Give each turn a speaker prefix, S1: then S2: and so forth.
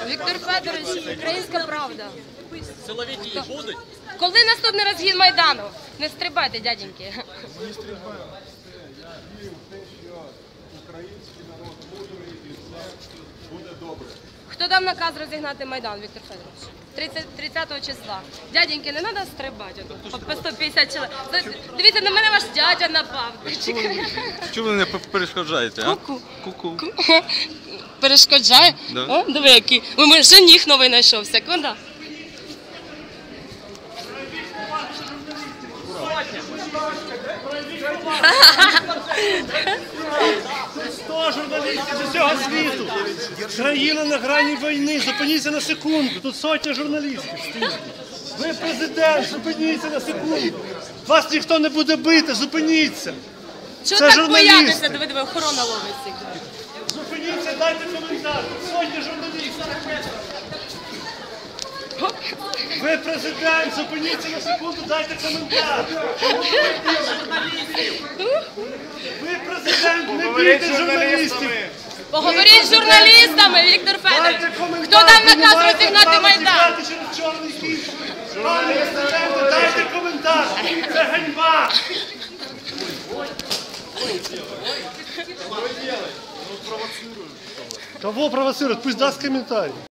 S1: Віктор Федорович, українська правда.
S2: Силовики будуть?
S1: Коли наступний розгін Майдану? Не стрибайте, дяденьки.
S3: Ми не стрибаємо. Я вірю в те, що український народ мудрий і все буде добре.
S1: Хто дав наказ розігнати Майдан, Віктор Федорович? 30 числа. Дяденьки, не треба стрибати. По 150 чоловік. Дивіться, на мене ваш дядя напав.
S4: Чому ви не перешкоджаєте, а?
S1: Ку-ку. Перешкоджає?
S4: Да.
S1: О, диви, який. У мене жених новий знайшовся. Куди?
S5: Сто журналістів з усього світу. Країна на грані війни. Зупиніться на секунду. Тут сотня журналістів стоїть. Ви президент, зупиніться на секунду. Вас ніхто не буде бити, зупиніться.
S1: Чого
S5: Це
S1: так
S5: журналісти.
S1: боятися? Диви, охорона ловить всіх.
S5: Зупиніться, дайте коментар. Сотня журналістів. Ви президент, зупиніться на секунду, дайте коментар. Ви президент, не бійте журналістів.
S1: Поговоріть з журналістами, Віктор Федорович.
S5: Дайте коментар.
S1: Хто дав
S5: Ви не
S1: наказ
S5: маєте
S1: розігнати
S5: права
S1: Майдан?
S5: тікати через чорний хід. Пане президенте, дайте коментар. Це ганьба. Кого провоцируют? Пусть даст комментарий.